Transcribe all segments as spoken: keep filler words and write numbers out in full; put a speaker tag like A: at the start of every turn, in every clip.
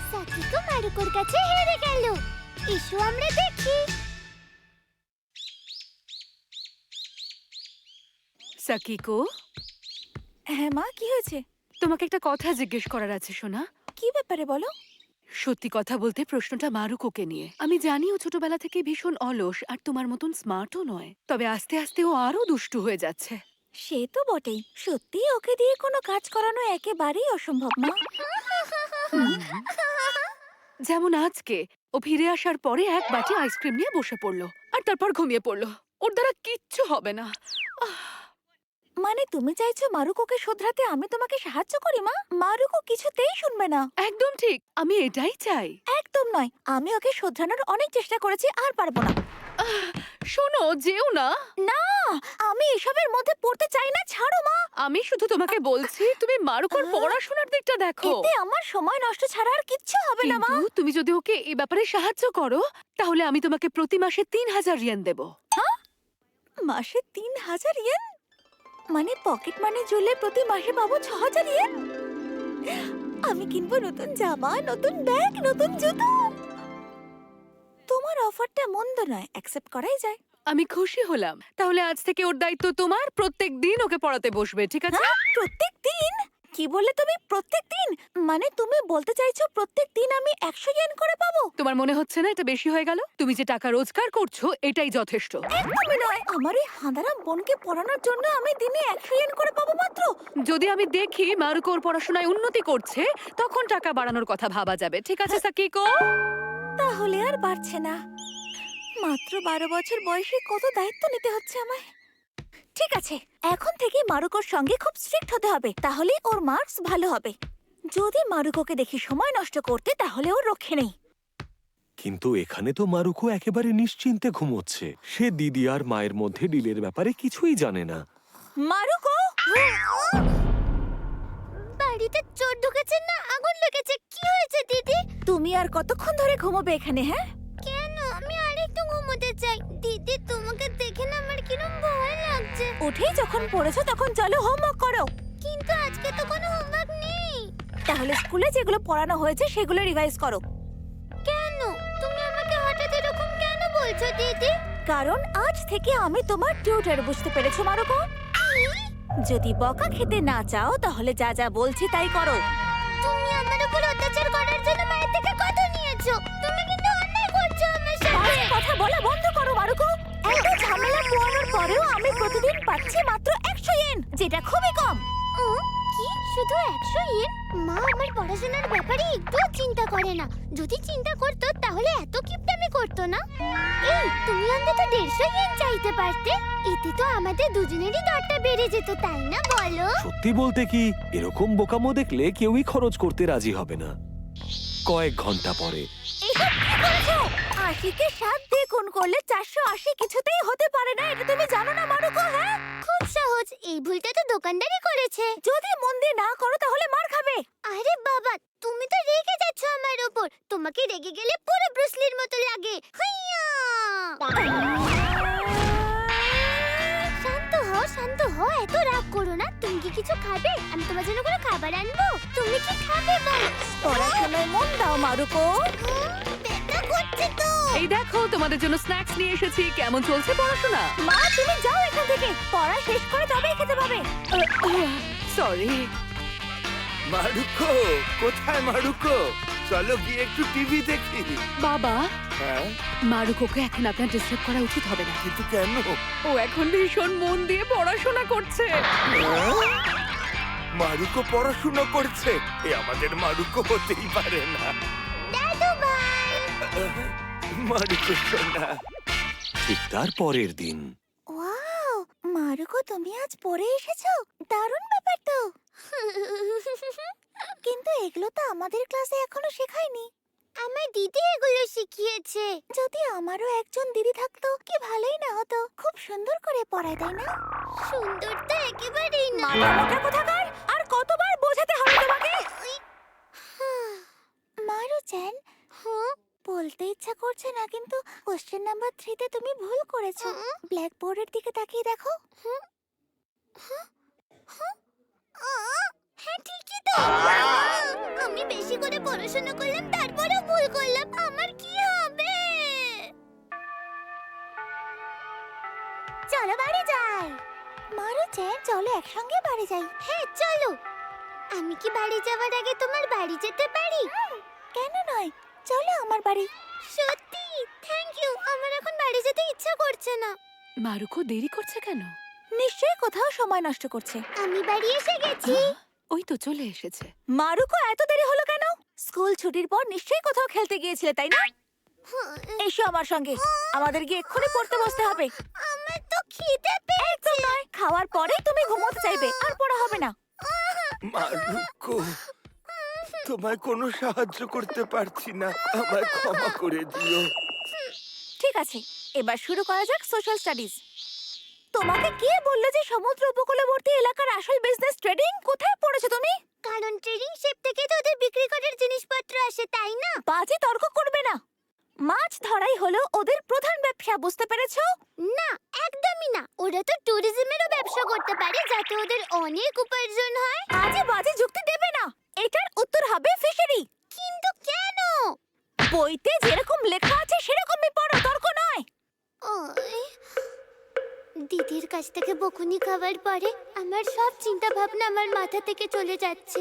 A: সাকিকো মারুকোর কাছে হেরে গেল। এসো আমরা দেখি।
B: সাকিকো,
C: হ্যাঁ মা, কি হয়েছে?
B: তোমাকে একটা কথা জিজ্ঞেস করার আছে সোনা।
C: কি ব্যাপারে বলো?
B: সত্যি কথা বলতে প্রশ্নটা মারুকোকে নিয়ে। আমি জানি ও ছোটবেলা থেকে ভীষণ অলস আর তোমার মতন স্মার্টও নয়, তবে আস্তে আস্তে ও আরো দুষ্টু হয়ে যাচ্ছে।
C: সে তো বটেই, সত্যি ওকে দিয়ে কোনো কাজ করানো একেবারেই অসম্ভব মা।
B: যেমন আজকে ও ফিরে আসার পরে এক বাটি আইসক্রিম নিয়ে বসে পড়লো আর তারপর ঘুমিয়ে পড়লো। ওর দ্বারা কিচ্ছু হবে না।
C: মানে তুমি চাইছো মারুকোকে শোধরাতে আমি তোমাকে সাহায্য করি মা? মারুকো কিছুতেই শুনবে না।
B: একদম ঠিক, আমি এটাই চাই।
C: একদম নয়, আমি ওকে শোধরানোর অনেক চেষ্টা করেছি, আর পারবো না।
B: শোনো, যেও না।
C: না, আমি এসবের মধ্যে পড়তে চাই না, ছাড়ো মা।
B: আমি শুধু তোমাকে বলছি তুমি মারুকোর পড়াশোনার দিকটা দেখো।
C: এতে আমার সময় নষ্ট ছাড়া আর কিচ্ছু হবে না মা।
B: কিন্তু তুমি যদি ওকে এই ব্যাপারে সাহায্য করো তাহলে আমি তোমাকে প্রতি মাসে তিন হাজার ইয়েন দেব।
C: মাসে তিন হাজার ইয়েন? মানে পকেট মানি জুড়লে প্রতি মাসে পাবো ছ হাজার ইয়েন। আমি কিনবো নতুন জামা, নতুন ব্যাগ, নতুন জুতো। তোমার অফারটা মন্দ নয়, অ্যাকসেপ্ট করাই যায়।
B: আমি খুশি হলাম। তাহলে আজ থেকে ওর দায়িত্ব তোমার, প্রত্যেক দিন ওকে পড়াতে বসবে, ঠিক আছে?
C: হ্যাঁ, প্রত্যেক দিন? কি বললে তুমি, প্রত্যেক দিন? মানে তুমি বলতে চাইছো প্রত্যেক দিন আমি একশো ইয়েন করে পাবো?
B: তোমার মনে হচ্ছে না এটা বেশি হয়ে গেল? তুমি যে টাকা রোজগার করছো এটাই যথেষ্ট।
C: একদমই নয়, আমার এই হাঁদারাম বোনকে পড়ানোর জন্য আমি দিনে একশো ইয়েন করে পাবো মাত্র।
B: যদি আমি দেখি মারুকো ওর পড়াশোনায় উন্নতি করছে তখন টাকা বাড়ানোর কথা ভাবা যাবে, ঠিক আছে সাকিকো?
C: তাহলে আর বাড়ছে না। মাত্র বারো বছর বয়সে কত দায়িত্ব নিতে হচ্ছে আমায়। ঠিক আছে, এখন থেকে মারুকোর সঙ্গে খুব স্ট্রিক্ট হতে হবে, তাহলে ওর মার্কস ভালো হবে। যদি মারুকোকে দেখি সময় নষ্ট করতে, তাহলে ওর রক্ষে নেই।
D: কিন্তু এখানে তো মারুকো একেবারে নিশ্চিন্তে ঘুমোচ্ছে। সে দিদি আর মায়ের মধ্যে ডিলের ব্যাপারে কিছুই জানে না।
C: মারুকো!
A: বাড়িতে চোর ঢুকেছে না আগুন লেগেছে? কি হয়েছে দিদি?
C: তুমি আর কতক্ষণ ধরে ঘুমোবে এখানে? হ্যাঁ,
A: কেন? আমি আরেকটু ঘুমোতে চাই। দিদি, তোমাকে দেখে না আমার কিরম ভয় লাগছে।
C: উঠেই যখন পড়েছো তখন চলো হোমওয়ার্ক করো।
A: কিন্তু আজকে তো কোনো হোমওয়ার্ক নেই।
C: তাহলে স্কুলে যেগুলো পড়ানো হয়েছে সেগুলো রিভাইজ করো।
A: কেন? তুমি আমাকে হঠাৎ এরকম কেন বলছো দিদি?
C: কারণ আজ থেকে আমি তোমার টিউটর, বুঝতে পেরেছো মারুকো? যদি বকা খেতে না চাও তাহলে যা যা বলছি তাই করো।
A: তুমি আমার উপর অত্যাচার করার জন্য মায়ের থেকে কথা নিয়েছো। তুমি কিন্তু অন্যায় করছো আমার সাথে।
C: বাজে কথা বলা বন্ধ করো মারুকো। এত ঝামেলা পোয়ানোর পরেও আমি প্রতিদিন পাচ্ছি মাত্র একশো ইয়েন, যেটা খুবই কম।
A: ও, কি শুধু একশো ইয়েন? মা আমার পড়াশোনার ব্যাপারে একটুও চিন্তা করে না। যদি চিন্তা করতো তাহলে এত কিপটামি করতো না। এই, তুমি অন্তত দেড়শো ইয়েন চাইতে পারতে। এতে তো আমাদের দুজনেরই দরটা বেড়ে যেত, তাই না বলো?
D: সত্যি বলতে কি, এরকম বোকামো দেখলে কেউই খরচ করতে রাজি হবে না। কয়েক ঘন্টা পরে
C: এসব কি করছো? আশিকে সাত দিয়ে গুণ করলে চারশো আশি কিছুতেই হতে পারে না, এটা তুমি জানো না মারুকো? হ্যাঁ,
A: খুব সহজ। এই ভুলটা তো দোকানদারই করেছে।
C: যদি মন দিয়ে না করো তাহলে মার খাবে।
A: আরে বাবা, তুমি তো রেগে যাচ্ছ আমার উপর। তোমাকে রেগে গেলে পুরো ব্রুসলির মতো লাগে। হুইয়া! শান্ত হও, শান্ত হও, এত রাগ করো না। তুমি কি কিছু খাবে? আমি তোমার জন্য কোনো খাবার আনবো। তুমি কি খাবে বল?
C: পড়াশোনায় মন দাও মারুকো।
A: ব্যথা করছে তো।
B: এই দেখো তোমাদের জন্য স্ন্যাক্স নিয়ে এসেছি। কেমন চলছে পড়াশোনা?
C: মা, তুমি যাও এখান থেকে, পড়া শেষ করে তবেই খেতে পাবে।
B: সরি।
E: মারুকো, কোথায় মারুকো? চলো গিয়ে একটু টিভি দেখি।
B: বাবা,
E: হ্যাঁ,
B: মারুকোকে এখন আপনার ডিস্টার্ব করা উচিত হবে না।
E: কিন্তু কেন?
B: ও এখন ভীষণ মন দিয়ে পড়াশোনা করছে।
E: হ্যাঁ? মারুকো পড়াশোনা করছে? এ আমাদের মারুকো হতেই পারে না।
A: দাদু ভাই।
E: মারুকো সোনা।
D: ঠিক তার পরের দিন
C: ওয়াও, মারুকো তুমি আজ পড়ে এসেছো, দারুণ ব্যাপার তো। কিন্তু এগুলো তো আমাদের ক্লাসে এখনো শেখায়নি।
A: আমার দিদি এগুলো শিখিয়েছে।
C: যদি আমারও একজন দিদি থাকতো কি ভালোই না হতো, খুব সুন্দর করে পড়ায়, তাই না?
A: সুন্দর তো একেবারেই না।
C: মাথা মোটা কোথাকার, আর কতবার বোঝাতে হবে তোমাকে? মারু-চ্যান,
A: হ্যাঁ?
C: বলতে ইচ্ছা করছে না কিন্তু কোশ্চেন নাম্বার থ্রিতে তুমি ভুল করেছো। ব্ল্যাকবোর্ডের দিকে তাকিয়ে দেখো।
A: আ, হ্যাঁ ঠিকই তো। আমি বেশি করে পড়াশোনা করলাম তারপরেও ভুল করলাম, আমার কি হবে? চলো বাড়ি যাই। মারুচেন চলো একসঙ্গে বাড়ি যাই। হ্যাঁ চলো। আমি কি বাড়ি যাওয়ার আগে তোমার বাড়ি যেতে পারি?
C: কেন নয়, চলো আমার বাড়ি।
A: সত্যি থ্যাংক ইউ। আমার এখন বাড়ি যেতে ইচ্ছা করছে না।
B: মারুকো দেরি করছে কেন?
C: নিশ্চয়ই কোথাও সময় নষ্ট করছে।
A: আমি বাড়ি এসে গেছি।
B: ওই তো চলে এসেছে।
C: মারুকো এত দেরি হলো কেন? স্কুল ছুটির পর নিশ্চয়ই কোথাও খেলতে গিয়েছিলে, তাই না? এসো আমার সঙ্গে, আমাদের গিয়ে এক্ষুনি পড়তে বসতে হবে।
A: আমার তো খিদে পেয়েছে।
C: একদম নয়, খাওয়ার পরেই তুমি ঘুমোতে চাইবে, আর পড়া হবে না।
E: মারুকো, তোমায় কোনো সাহায্য করতে পারছি না, আমায় ক্ষমা করে দিও।
C: ঠিক আছে, এবার শুরু করা যাক সোশ্যাল স্টাডিজ। তোমাকে কে বললো যে সমুদ্র উপকূলবর্তী এলাকার আসল বিজনেস ট্রেডিং? কোথায় পড়েছো তুমি?
A: কারণ ট্রেডিং শিপ থেকে তো ওদের বিক্রি করার জিনিসপত্র আসে, তাই না?
C: বাজে তর্ক করবে না। মাছ ধরাই হলো ওদের প্রধান ব্যবসা, বুঝতে পেরেছো?
A: না, একদমই না। ওরা তো ট্যুরিজমেরও ব্যবসা করতে পারে যাতে ওদের অনেক উপার্জন হয়।
C: আজে বাজে যুক্তি দেবে না, এটার উত্তর হবে ফিশারি।
A: কিন্তু কেন?
C: বইতে যেরকম লেখা আছে সেরকমই পড়ো, তর্ক নয়।
A: ওই, দিদির কাছ থেকে বকুনি খাওয়ার পরে আমার সব চিন্তা ভাবনা আমার মাথা থেকে চলে যাচ্ছে।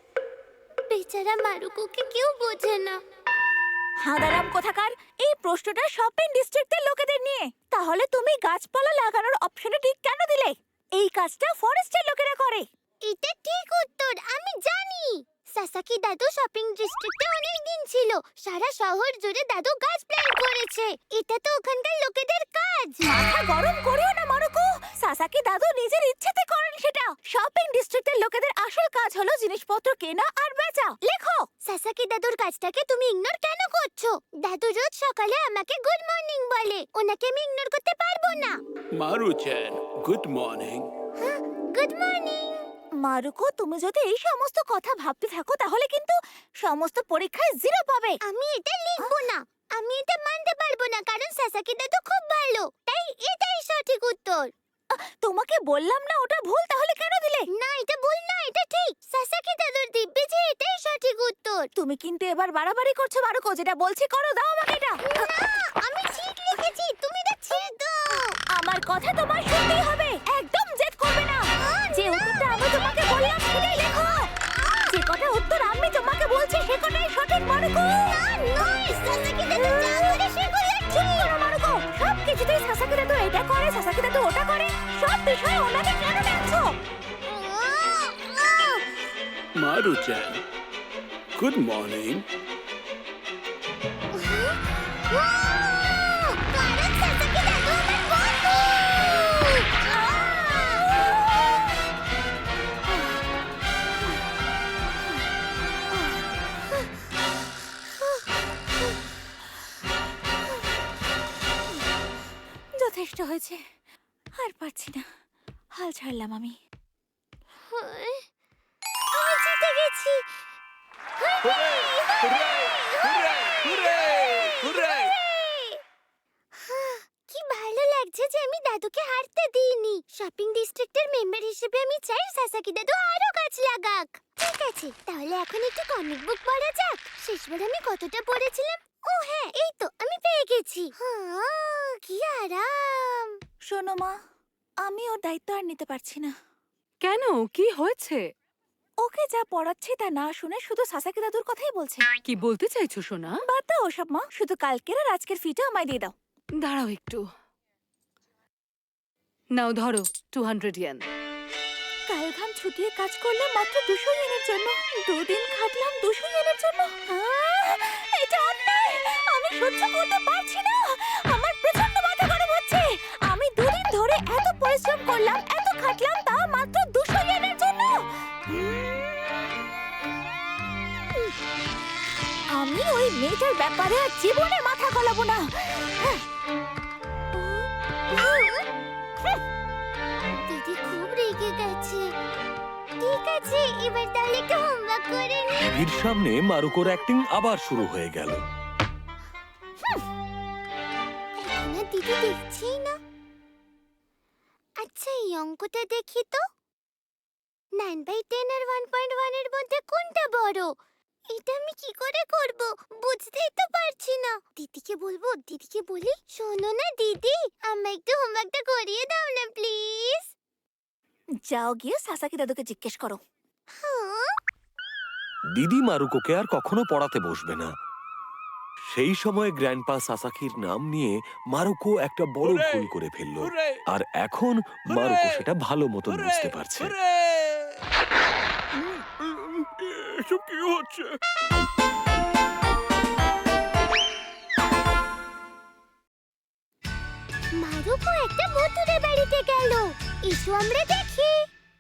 A: বেচারা মারুকুকে কেউ বোঝে না।
C: হাঁদারাম কোথাকার, এই প্রশ্নটা শপিং ডিস্ট্রিক্টের লোকেদের নিয়ে। তাহলে তুমি গাছপালা লাগানোর অপশনে ঠিক কেন দিলে? এই কাজটা ফরেস্টের লোকেরা করে।
A: এটা ঠিক উত্তর, আমি জানি। সাসাকি দাদু শপিং ডিস্ট্রিক্টে অনেক দিন ছিল। সারা শহর জুড়ে দাদু গাছ প্ল্যান্ট করেছে। এটা তো ওখানকার লোকেদের কাজ।
C: মাথা গরম করিও না মারুকো, সাসাকি দাদু নিজের ইচ্ছেতে করেন সেটা। শপিং ডিস্ট্রিক্টের লোকেদের আসল কাজ হলো জিনিসপত্র কেনা আর বেচা। লেখো।
A: সাসাকি দাদুর কাজটাকে তুমি ইগনোর কেন করছো? দাদু রোজ সকালে আমাকে গুড মর্নিং বলে, ওনাকে আমি ইগনোর করতে পারবো না।
F: Maru-chan, good morning.
A: Good morning.
C: Maruko, তুমি যদি এই সমস্ত কথা ভাবতে থাকো তাহলে কিন্তু সমস্ত পরীক্ষায় জিরো পাবে।
A: আমি এটা লিখবো না। আমি এটা মানতে পারবো না কারণ সাসাকি দাদু খুব ভালো। তাই এটাই সঠিক উত্তর।
C: তোমাকে বললাম না ওটা ভুল, তাহলে কেন দিলে?
A: না, এটা ভুল না, এটা ঠিক। সাসাকি দাদুর দিব্যি যে এটাই সঠিক উত্তর।
C: তুমি কিন্তু এবার বাড়াবাড়ি করছো মারুকো, যেটা বলছি করো, দাও আমাকে এটা।
A: না, আমি ঠিক লিখেছি, তুমি এটা ছেড়ে দাও।
C: আমার কথা তোমার শুনতেই হবে, একদম জেদ করবে না। যে উত্তরটা আমি তোমাকে বললাম সেটাই লেখো। যে কটা উত্তর আমি তোমাকে বলছি সে কটাই সঠিক মারুকো।
A: না, নয়, সাসাকি দাদু যা বলে সেগুলো
C: চুপ
A: ঠিক।
C: করো মারুকো, সব কিছুতেই সাসাকি দাদু এটা করে, সাসাকি দাদু ওটা করে, সব বিষয়ে ওনাকে কেন ডাকছো?
F: Maru-chan, good morning.
A: কারণ সাসাকি দাদু আমার বন্ধু।
C: যথেষ্ট হয়েছে, আর পারছি না, হাল ছাড়লাম আমি।
A: আমি জিতে গেছি। কি ভালো লাগছে যে আমি দাদুকে হারতে দিইনি। শপিং ডিস্ট্রিক্টের মেম্বার হিসেবে আমি চাই সাসাকি দাদু আরো গাছ লাগাক। ঠিক আছে, তাহলে এখন একটু কমিক বুক পড়া যাক। শেষবার আমি কতটা পড়েছিলাম? ও হ্যাঁ, এই তো আমি পেয়ে গেছি। হ্যাঁ, কি আরাম।
C: শোনো মা, আমি ওর দায়িত্ব আর নিতে পারছি না।
B: কেন, কি হয়েছে?
C: ওকে যা পড়াচ্ছি তা না শুনে শুধু সাসাকি দাদুর কথাই বলছে।
B: কি বলতে চাইছো সোনা?
C: বাদ দাও ওসব মা, শুধু কালকের আর আজকের ফিটা আমায় দিয়ে দাও।
B: দাঁড়াও একটু। নাও ধরো টু হান্ড্রেড ইয়েন।
C: কাল ঘাম ছুটিয়ে কাজ করলাম মাত্র দুশো ইয়েনের জন্য। দুদিন খাটলাম দুশো ইয়েনের জন্য। আহ, এটা অন্যায়, আমি সহ্য করতে পারছি না। আমার প্রচন্ড মাথা গরম হচ্ছে। আমি দুদিন ধরে এত পরিশ্রম করলাম, এত খাটলাম, তা মাত্র দুশো ইয়েনের জন্য। আমি ওই মেয়েটার ব্যাপারে আর জীবনে মাথা গলাবো না।
A: দিদি খুব রেগে গেছে। ঠিক আছে, এবার তাহলে একটু হোমওয়ার্ক করে নি।
D: টিভির সামনে মারুকোর অ্যাক্টিং আবার শুরু হয়ে গেল।
A: এখন আর দিদি দেখছেই না। আচ্ছা, এই অঙ্কটা দেখি তো। নাইন বাই টেন আর ওয়ান পয়েন্ট ওয়ান এর মধ্যে কোনটা বড়? এটা আমি কি করে করব? বুঝতেই তো পারছি না। দিদিকে বলবো, দিদিকে বলি, শোনো না দিদি, আমায় একটু হোমওয়ার্কটা করিয়ে দাও না প্লিজ।
C: যাও গিয়ে সাসাকি দাদুকে জিজ্ঞেস করো।
A: হ্যাঁ?
D: দিদি মারুকোকে আর কখনো পড়াতে বসবে না। সেই সময় গ্র্যান্ডপা সাসাকির নাম নিয়ে মারুকো একটা বড়
F: হুররে!
D: ভুল করে ফেলল।
F: হুররে!
D: আর এখন মারুকো সেটা ভালো মতন
F: হুররে!
D: বুঝতে পারছে।
F: হুররে! এসব কি হচ্ছে?
A: মারুকো একটা ভূতুরে বাড়িতে গেল। এসো আমরা দেখি।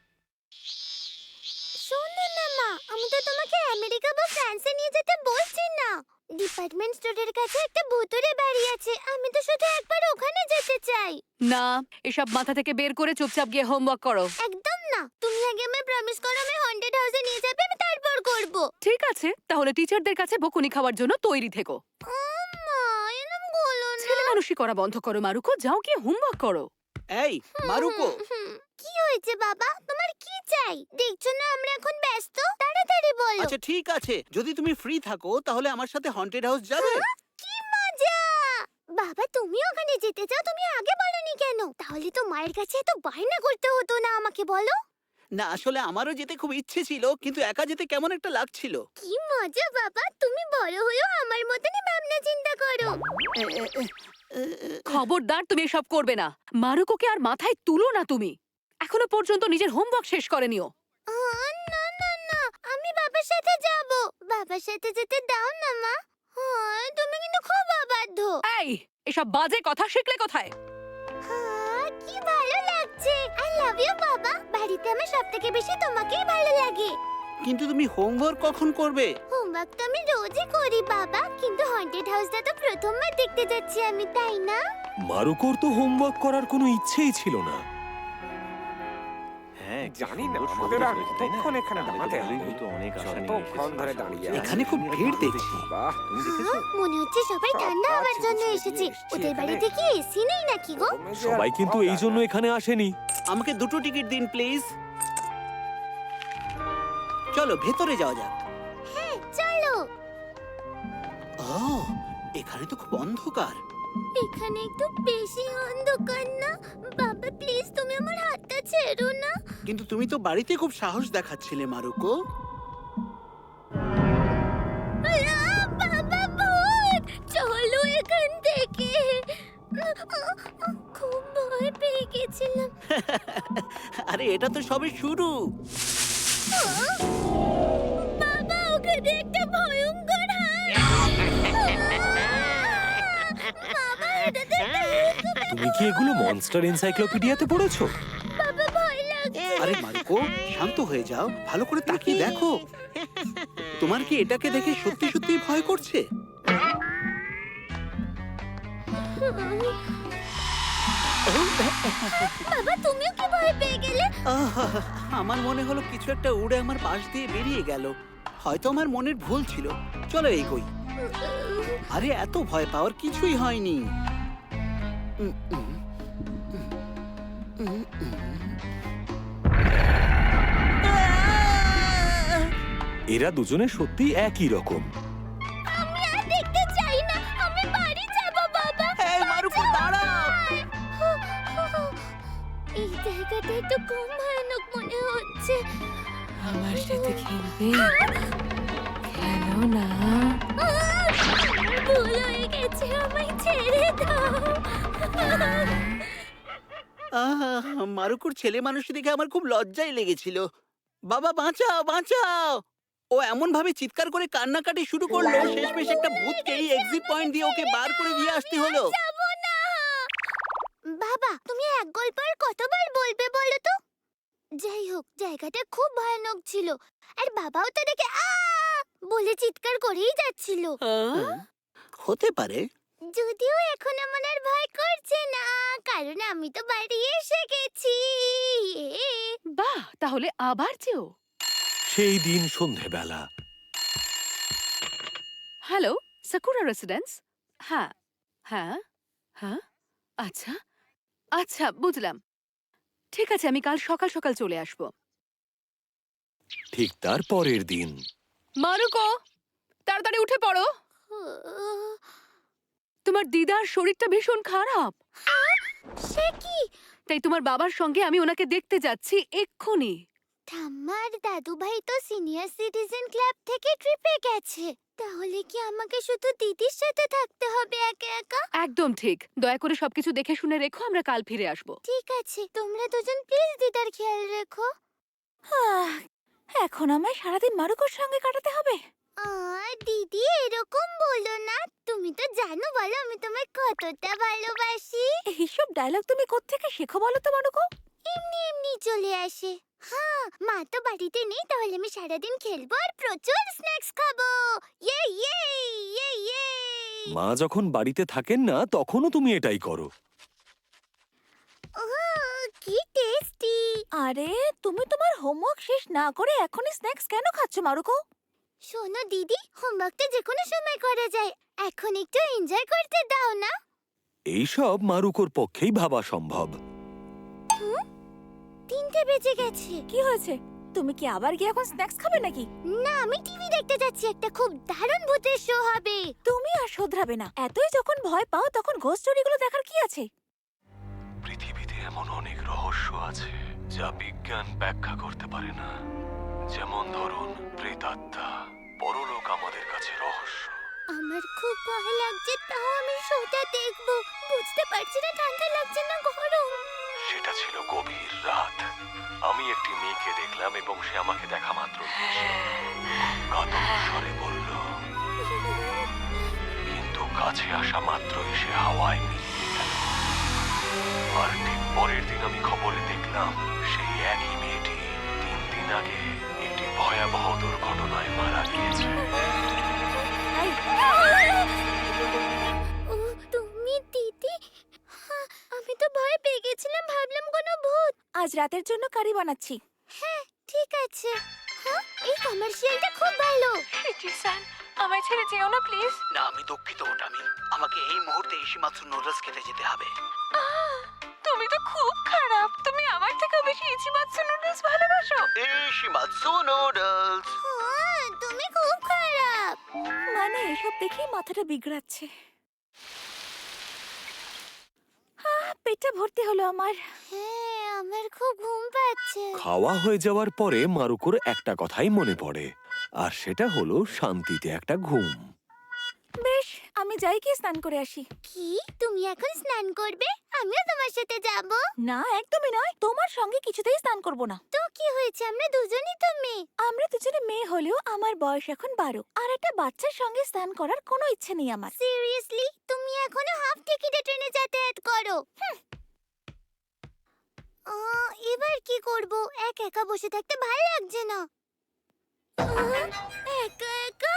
A: শোনো না মা, আমি তো তোমাকে আমেরিকা বা ফ্রান্সে নিয়ে যেতে বলছি না। ডিপার্টমেন্ট স্টোরের কাছে একটা ভূতুরে বাড়ি আছে, আমি তো শুধু একবার ওখানে যেতে চাই।
B: না, এসব মাথা থেকে বের করে চুপচাপ গিয়ে হোমওয়ার্ক করো।
A: একদম না, তুমি আগে আমায় প্রমিস করো আমি হন্টেড হাউসে নিয়ে যাবে, আমি তারপর করব।
B: ঠিক আছে, তাহলে টিচারদের কাছে বকুনি খাওয়ার জন্য তৈরি থেকো।
A: মা, এরম বলো না।
B: ছেলে মানুষই করা বন্ধ করো মারুকো, যাও গিয়ে হোমওয়ার্ক করো।
E: এই মারুকো,
A: হুম, কি হয়েছে বাবা? তোমার কি চাই? দেখছো না আমরা এখন ব্যস্ত, তাড়াতাড়ি বলো।
E: আচ্ছা ঠিক আছে, যদি তুমি ফ্রি থাকো তাহলে আমার সাথে হন্টেড হাউস যাবে?
A: কি মজা! বাবা তুমি ওখানে যেতে চাও, তুমি আগে বলনি কেন? তাহলে তো মায়ের কাছে এত বায়না করতে হতো না, আমাকে বলো।
E: না আসলে আমারও যেতে খুব ইচ্ছে ছিল, কিন্তু একা যেতে কেমন একটা লাগছিল।
A: কি মজা বাবা, তুমি বড় হয়েও আমার মতনই ভাবনা চিন্তা করো।
E: এ, এ, এ, এ, এ,
B: খবরদার, তুমি এসব করবে না। মারুকোকে আর মাথায় তুলো না তুমি। এখনো পর্যন্ত নিজের হোমওয়ার্ক শেষ করেনিও।
A: আহ, না না না, আমি বাবার সাথে যাব। বাবার সাথে যেতে দাও না মা। হ্যাঁ, তুমি কিন্তু খুব অবাধ্য।
B: এই, এসব বাজে কথা শিখলে কোথায়?
A: হ্যাঁ, কি ভালো লাগছে। আই লাভ ইউ বাবা। বাড়িতে আমার সবথেকে বেশি তোমাকেই ভালো লাগে।
E: কিন্তু তুমি হোমওয়ার্ক কখন করবে?
A: হোমওয়ার্ক তো আমি রোজই করি বাবা, কিন্তু হন্টেড হাউসটা তো প্রথমবার দেখতে যাচ্ছি আমি, তাই না?
D: মারুকোর তো হোমওয়ার্ক করার কোনো ইচ্ছেই ছিল না।
G: হ্যাঁ জানি না আমাদের আর কতক্ষণ এখানে দাঁড়াতে হবে। কতক্ষণ ধরে দাঁড়িয়ে আছি।
E: এখানে খুব ভিড় দেখছি।
G: বাহ,
A: হ্যাঁ, মনে হচ্ছে সবাই ঠান্ডা হওয়ার জন্য এসেছে। ওদের বাড়িতে কি এসি নেই নাকি গো?
D: সবাই কিন্তু এই জন্য এখানে আসেনি।
E: আমাকে দুটো টিকিট দিন প্লিজ। চলো ভেতরে যাওয়া যাক।
A: হ্যাঁ চলো।
E: ও, এখানে তো খুব অন্ধকার।
A: এখানে একটু বেশি অন্ধকার না? বাবা প্লিজ তুমি আমার হাতটা ছেড়ো না।
E: কিন্তু তুমি তো বাড়িতে খুব সাহস দেখাচ্ছিলে মারুকো।
A: আহ, বাবা ভূত, চলো এখান থেকে। খুব ভয় পেয়ে গেছিলাম।
E: আরে এটা তো সবে শুরু।
A: বাবা ওখানে একটা ভয়ঙ্কর হাত। বাবা এটাতে
D: তুমি কি এগুলো মনস্টার এনসাইক্লোপিডিয়াতে পড়েছো?
A: বাবা ভয় লাগছে।
E: আরে মারুকো শান্ত হয়ে যাও, ভালো করে তাকিয়ে দেখো। তোমার কি এটাকে দেখে সত্যি সত্যি ভয় করছে?
A: বাবা তুমিও কি ভয় পেয়ে গেলে?
E: আহ, আমার মনে হলো কিছু একটা উড়ে আমার পাশ দিয়ে বেরিয়ে গেল। হয়তো আমার মনের ভুল ছিল। চলো এগোই। আরে এত ভয় পাওয়ার কিছুই হয়নি। উম, উম, উম, উম, উম। আহ!
D: এরা দুজনে সত্যি একই রকম।
A: আমি আর দেখতে চাই না, আমি বাড়ি যাব বাবা।
E: এই মারুকো দাঁড়াও।
A: এই জায়গাটা একটু কম ভয়ানক মনে হচ্ছে।
B: আমার সাথে খেলবে? খেলো না।
A: ভুল হয়ে গেছে, আমায় ছেড়ে দাও।
E: আহ, মারুকুর ছেলে মানুষ দেখে আমার খুব লজ্জাই লেগেছিল। বাবা বাঁচাও বাঁচাও! ও এমন ভাবে চিৎকার করে কান্নাকাটি শুরু করলো, শেষমেশ একটা ভূতকে এই এক্সিট পয়েন্ট দিয়ে ওকে বার করে দিয়ে আসতে হলো।
A: যাব না। বাবা তুমি এক গল্প আর কতবার বলবে বলো তো? যাই হোক, জায়গাটা খুব ভয়ানক ছিল, আর বাবাও তো দেখে আ বলে চিৎকার করেই যাচ্ছিল।
B: আহ?
E: হতে পারে।
A: যদিও এখন আমার আর ভয় করছে না, কারণ আমি তো বাড়ি এসে গেছি।
B: বাহ, তাহলে আবার যেও।
D: সেই দিন সন্ধেবেলা।
B: Hello, Sakura residence? হ্যাঁ হ্যাঁ হ্যাঁ, আচ্ছা আচ্ছা বুঝলাম। ঠিক আছে, আমি কাল সকাল সকাল চলে আসবো।
D: ঠিক তার পরের দিন
B: মারুকো, তাড়াতাড়ি উঠে পড়ো। তোমার দিদার শরীরটা ভীষণ খারাপ।
A: সে কি?
B: তাই তোমার বাবার সঙ্গে আমি ওনাকে দেখতে যাচ্ছি এক্ষুনি।
A: ঠাম্মার দাদু ভাই তো সিনিয়র সিটিজেন ক্লাব থেকে ট্রিপে গেছে। তাহলে কি আমাকে শুধু দিদির সাথে থাকতে হবে একা একা?
B: একদম ঠিক। দয়া করে সবকিছু দেখে শুনে রেখো, আমরা কাল ফিরে আসবো।
A: ঠিক আছে, তোমরা দুজন প্লিজ দিদার খেয়াল রেখো।
C: আহ, এখন আমায় সারাদিন মারুকোর সঙ্গে কাটাতে হবে।
A: আর দিদি এরকম বলো না। তুমি তো জানো বলো আমি তোমায় কতটা ভালোবাসি।
C: এইসব ডায়লগ তুমি কোত্থেকে শেখো বলো তো মারুকো?
A: এমনি এমনি চলে আসে। হ্যাঁ, মা তো বাড়িতে নেই, তাহলে আমি সারাদিন খেলবো আর প্রচুর স্ন্যাক্স খাবো। ইয়ে ইয়ে ইয়ে ইয়ে।
D: মা যখন বাড়িতে থাকেন না তখনও তুমি এটাই করো।
A: ওহ, কি টেস্টি।
C: আরে তুমি তোমার হোমওয়ার্ক শেষ না করে এখনই স্ন্যাক্স কেন খাচ্ছ মারুকো?
A: শোনো দিদি, হোমওয়ার্কটা যে কোনো সময় করা যায়। এখন একটু এনজয় করতে দাও না।
D: এইসব মারুকোর পক্ষেই ভাবা সম্ভব।
A: তিনটে বেজে গেছে।
C: কি হয়েছে? তুমি কি আবার গিয়ে এখন স্ন্যাক্স খাবে নাকি?
A: না, আমি টিভি দেখতে যাচ্ছি, একটা খুব দারুণ ভূতের শো হবে।
C: তুমি আর শোধরাবে না। এতই যখন ভয় পাও তখন ঘোস্ট স্টোরিগুলো দেখার কি আছে?
D: পৃথিবীতে এমন অনেক রহস্য আছে যা বিজ্ঞান ব্যাখ্যা করতে পারে না। যেমন ধরুন প্রেতাত্মা, পরলোক আমাদের কাছে রহস্য।
A: আমার খুব ভয় লাগছে, তাও আমি শোটা দেখবো। বুঝতে পারছি না ঠান্ডা লাগছে না গরম।
D: সেটা ছিল গভীর রাত। আমি একটি মেয়েকে দেখলাম এবং সে আমাকে দেখা মাত্র কাতর স্বরে বলল, কিন্তু কাছে আসা মাত্রই সে হাওয়ায় মিলিয়ে গেল। আর ঠিক পরের দিন আমি খবরে দেখলাম সেই একই মেয়েটি তিন দিন আগে একটি ভয়াবহ দুর্ঘটনায় মারা গিয়েছে।
A: ও তুমি দিদি? হ্যাঁ, আমি তো ভয় পেয়ে গেছিলাম, ভাবলাম কোনো ভূত।
C: আজ রাতের জন্য কারি বানাচ্ছি।
A: হ্যাঁ, ঠিক আছে। হ্যাঁ, এই কমার্শিয়ালটা খুব ভালো।
C: আমায় ছেড়ে যেও না প্লিজ।
E: না, আমি দুঃখিত ওটামি। আমাকে এই মুহূর্তে ইসিমাত্র নুডলস খেতে যেতে হবে।
C: তুমি তো খুব খারাপ। তুমি আমার থেকে বেশি ইচিমাৎসু নুডলস ভালোবাসো।
E: Ichimatsu noodles.
A: হ্যাঁ, তুমি খুব খারাপ।
C: মানে এসব দেখেই মাথাটা বিগড়াচ্ছে। আহ, পেটটা ভর্তি হলো আমার।
A: হ্যাঁ, আমার খুব ঘুম পাচ্ছে।
D: খাওয়া হয়ে যাওয়ার পরে মারুকোর একটা কথাই মনে পড়ে, আর সেটা হলো শান্তিতে একটা ঘুম।
C: বেশ, আমি যাই কি স্নান করে আসি।
A: কি, তুমি এখন স্নান করবে? আমিও তোমার সাথে যাব।
C: না, একদমই নয়। তোমার সঙ্গে কিছুতেই স্নান করব না।
A: তো কি হয়েছে, আমরা দুজনই তো মেয়ে।
C: আমরা দুজনে মেয়ে হলেও আমার বয়স এখন বারো, আর একটা বাচ্চার সঙ্গে স্নান করার কোনো ইচ্ছে নেই আমার।
A: সিরিয়াসলি, তুমি এখনো হাফ টিকিটে ট্রেনে যাতায়াত করো? আহ, এবার কি করব? এক একা বসে থাকতে ভালো লাগছে না। আহ, একা একা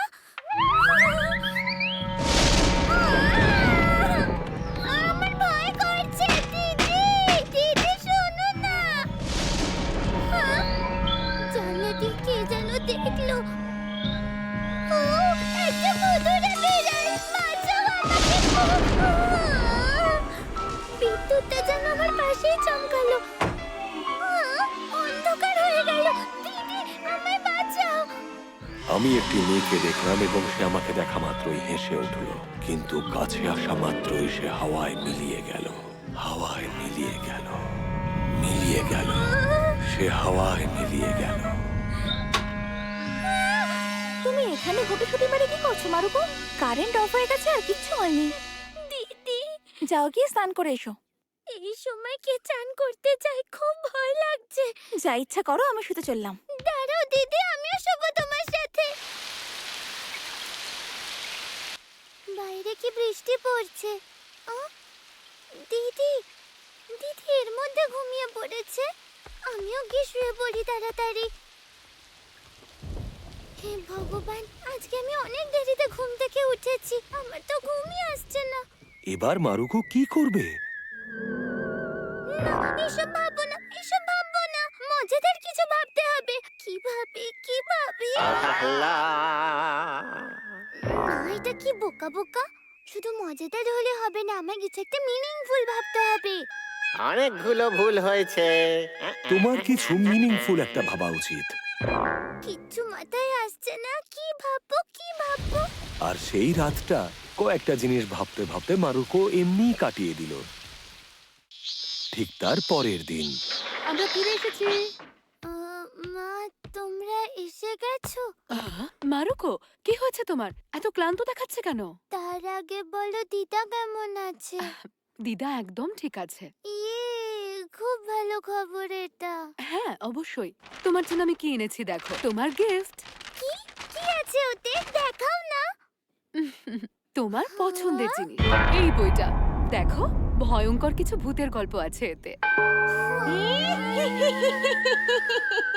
A: আহ! আমার ভয় করছে। দিদি, দিদি শোনো না। আহ! জানলা দিয়ে কে যেন দেখলো। ও, একটা ভুতুড়ে বিড়াল, বাঁচাও আমাকে। আহ! বিদ্যুৎটা যেন আমার পাশেই চমকালো। আহ! অন্ধকার হয়ে গেল। দিদি, আমায় বাঁচাও।
D: আমি একটি মেয়েকে দেখলাম এবং সে আমাকে দেখা মাত্রই হেসে উঠল, কিন্তু কাছে আসা মাত্রই সে হাওয়ায় মিলিয়ে গেল। হাওয়ায় মিলিয়ে গেল, মিলিয়ে গেল, সে হাওয়ায় মিলিয়ে গেল।
C: তুমি এখানে গুটিসুটি মেরে কি করছো মারুকো? কারেন্ট অফ হয়ে গেছে আর কিচ্ছু হয়নি।
A: দিদি,
C: যাও গিয়ে স্নান করে এসো।
A: এই সময় কে চান করতে চায়? খুব ভয় লাগছে।
C: যা ইচ্ছা করো, আমি শুতে চললাম।
A: দাঁড়াও দিদি, আমিও শোবো তোমার সাথে। বাইরে কি বৃষ্টি পড়ছে? আহ, দিদি, দিদি এর মধ্যে ঘুমিয়ে পড়েছে। আমিও গিয়ে শুয়ে পড়ি তাড়াতাড়ি। হে ভগবান, আজকে আমি অনেক দেরিতে ঘুম থেকে উঠেছি, আমার তো ঘুমই আসছে না।
D: এবার মারুকো কি করবে?
A: না, এসব ভাববো না, এসব ভাববো না। মজাদার কিছু ভাবতে হবে। কি ভাবি, কি ভাবি? না, এটা কি বোকা বোকা। শুধু মজাদার হলে হবে না, আমায় কিছু একটা মিনিংফুল ভাবতে হবে।
G: অনেকগুলো ভুল হয়েছে।
D: তোমার কিছু মিনিংফুল একটা ভাবা উচিত।
A: কিচ্ছু মাথায় আসছে না, কি ভাববো কি ভাববো।
D: আর সেই রাতটা কয়েকটা জিনিস ভাবতে ভাবতে মারুকো এমনি কাটিয়ে দিল। ঠিক তার পরের দিন
B: আমরা ফিরে এসেছি।
A: আহ, মা তোমরা এসে গেছো?
B: আহ, মারুকো, কি হয়েছে তোমার? এত ক্লান্ত দেখাচ্ছে কেন?
A: তার আগে বলো দিদা কেমন আছে?
B: দিদা একদম ঠিক আছে।
A: ইয়ে, খুব ভালো খবর এটা।
B: হ্যাঁ, অবশ্যই। তোমার জন্য আমি কি এনেছি দেখো, তোমার গিফট।
A: কি কি আছে ওতে, দেখাও না।
B: তোমার পছন্দের জিনিস, এই বইটা দেখো। ভয়ঙ্কর কিছু ভূতের গল্প আছে এতে।